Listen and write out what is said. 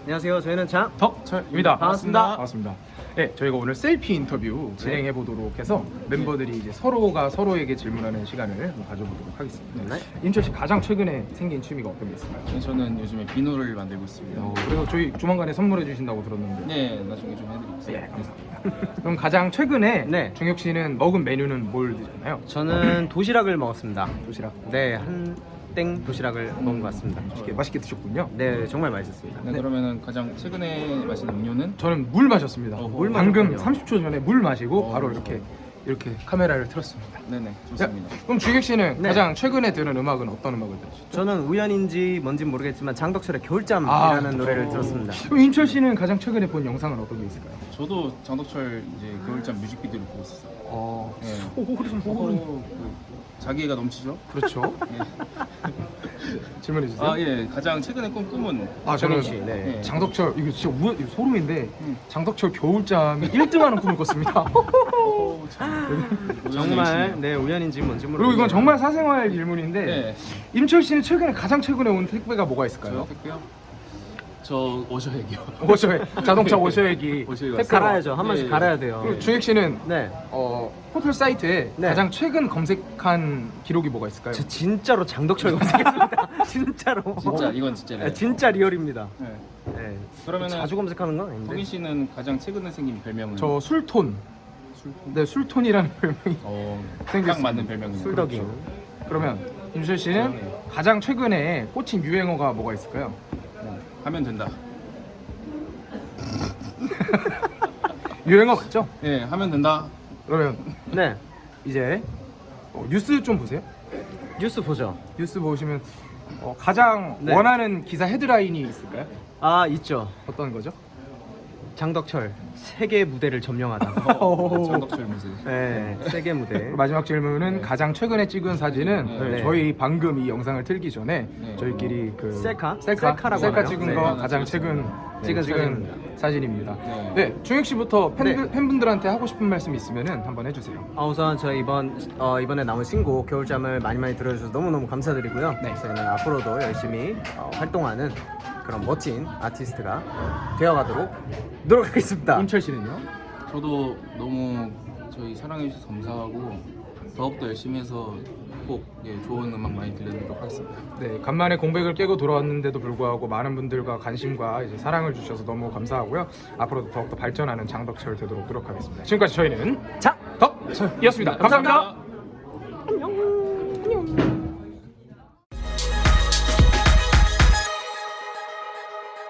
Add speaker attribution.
Speaker 1: 안녕하세요. 저희는
Speaker 2: 덕철입니다.
Speaker 1: 반갑습니다.
Speaker 2: 네, 저희가 오늘 셀피 인터뷰 진행해 보도록 해서 멤버들이 이제 서로가 서로에게 질문하는 시간을 한번 가져보도록 하겠습니다.
Speaker 1: 네.
Speaker 2: 임철 씨 가장 최근에 생긴 취미가 어떤 게 있을까요?
Speaker 3: 저는 요즘에 비누를 만들고 있습니다.
Speaker 2: 그래서 저희 조만간에 선물해 주신다고 들었는데.
Speaker 3: 네, 나중에 좀 해드리겠습니다.
Speaker 2: 예, 감사합니다. 그럼 가장 최근에
Speaker 1: 네.
Speaker 2: 중혁 씨는 먹은 메뉴는 뭘 드셨나요?
Speaker 1: 저는 도시락을 먹었습니다.
Speaker 2: 도시락.
Speaker 1: 네, 한 땡 도시락을 먹은 것 같습니다.
Speaker 2: 맛있게 드셨군요.
Speaker 1: 네, 정말 맛있었습니다.
Speaker 3: 네, 그러면은 가장 최근에 마신 음료는?
Speaker 2: 저는 물 마셨습니다.
Speaker 3: 물
Speaker 2: 방금
Speaker 1: 마셨군요.
Speaker 2: 30초 전에 물 마시고 바로 이렇게 카메라를 틀었습니다.
Speaker 3: 네네, 좋습니다.
Speaker 2: 자, 그럼 주혁 씨는
Speaker 1: 네.
Speaker 2: 가장 최근에 들은 음악은 어떤 음악을 들으셨죠?
Speaker 1: 저는 우연인지 뭔진 모르겠지만 장덕철의 겨울잠이라는 노래를 들었습니다.
Speaker 2: 그럼 임철 씨는 가장 최근에 본 영상은 어떤 게 있을까요?
Speaker 3: 저도 장덕철 이제 겨울잠 뮤직비디오를 보고 있었어요. 네.
Speaker 2: 호흡
Speaker 3: 자기애가 넘치죠?
Speaker 2: 그렇죠.
Speaker 3: 예.
Speaker 2: 질문해 주세요.
Speaker 3: 예, 가장 최근에 꾼 꿈은?
Speaker 2: 저는
Speaker 1: 씨, 네.
Speaker 3: 네.
Speaker 2: 장덕철 이거 진짜 이거 소름인데 장덕철 겨울잠이 1등하는 꿈을 꿨습니다.
Speaker 1: 정말 네, 우연인지 뭔지 모르겠어요.
Speaker 2: 그리고 이건 정말 사생활 질문인데
Speaker 3: 네.
Speaker 2: 임철 씨는 가장 최근에 온 택배가 뭐가 있을까요?
Speaker 3: 저요? 택배요? 저 워셔액이요.
Speaker 2: 자동차 오셔액이
Speaker 3: 오셔액
Speaker 2: 택배로.
Speaker 1: 갈아야죠. 한 번씩
Speaker 3: 예.
Speaker 1: 갈아야 돼요.
Speaker 2: 그리고 주혁 씨는
Speaker 1: 네.
Speaker 2: 호텔 사이트에
Speaker 1: 네.
Speaker 2: 가장 최근 검색한 기록이 뭐가 있을까요?
Speaker 1: 저 진짜로 장덕철 검색했습니다. 진짜로.
Speaker 3: 진짜 이건 진짜네.
Speaker 1: 네, 진짜 리얼입니다.
Speaker 3: 네.
Speaker 1: 네.
Speaker 3: 그러면은
Speaker 1: 자주 검색하는 건 아닌데.
Speaker 3: 동희 씨는 가장 최근에 생긴 별명은?
Speaker 2: 저 술톤.
Speaker 3: 술통?
Speaker 2: 네, 술톤이라는 별명이
Speaker 3: 딱
Speaker 2: 생겼습니다.
Speaker 3: 맞는 별명이네요.
Speaker 1: 술덕이.
Speaker 2: 그러면 임철 씨는
Speaker 3: 네.
Speaker 2: 가장 최근에 꽂힌 유행어가 뭐가 있을까요?
Speaker 3: 네. 하면 된다.
Speaker 2: 유행어 맞죠?
Speaker 3: 네, 하면 된다.
Speaker 2: 그러면
Speaker 1: 네.
Speaker 2: 이제 뉴스 좀 보세요.
Speaker 1: 뉴스 보죠.
Speaker 2: 뉴스 보시면 가장
Speaker 1: 네.
Speaker 2: 원하는 기사 헤드라인이 있을까요?
Speaker 1: 아, 있죠.
Speaker 2: 어떤 거죠?
Speaker 1: 장덕철 세계 무대를 점령하다.
Speaker 3: 장덕철 무슨?
Speaker 1: 네, 세계 무대.
Speaker 2: 마지막 질문은
Speaker 3: 네.
Speaker 2: 가장 최근에 찍은 사진은
Speaker 3: 네.
Speaker 2: 저희 방금 이 영상을 틀기 전에
Speaker 3: 네.
Speaker 2: 저희끼리
Speaker 1: 셀카라고
Speaker 2: 셀카
Speaker 1: 하나요?
Speaker 2: 찍은
Speaker 1: 네.
Speaker 2: 거 가장 최근
Speaker 1: 찍은
Speaker 2: 사진입니다.
Speaker 3: 네.
Speaker 2: 네, 중혁 씨부터
Speaker 1: 네.
Speaker 2: 팬분들한테 하고 싶은 말씀 있으면은 한번 해주세요.
Speaker 1: 우선 저희 이번에 나온 신곡 겨울잠을 많이 들어주셔서 너무너무 감사드리고요.
Speaker 2: 네.
Speaker 1: 저희는 앞으로도 열심히 활동하는 그런 멋진 아티스트가 되어가도록 노력하겠습니다.
Speaker 2: 임철 씨는요?
Speaker 3: 저도 너무 저희 사랑해 주셔서 감사하고 더욱더 열심히 해서 꼭 좋은 음악 많이 들려드리도록 하겠습니다.
Speaker 2: 네, 간만에 공백을 깨고 돌아왔는데도 불구하고 많은 분들과 관심과 이제 사랑을 주셔서 너무 감사하고요. 앞으로도 더욱더 발전하는 장덕철 되도록 노력하겠습니다. 지금까지 저희는
Speaker 1: 자,
Speaker 2: 덕철이었습니다. 감사합니다.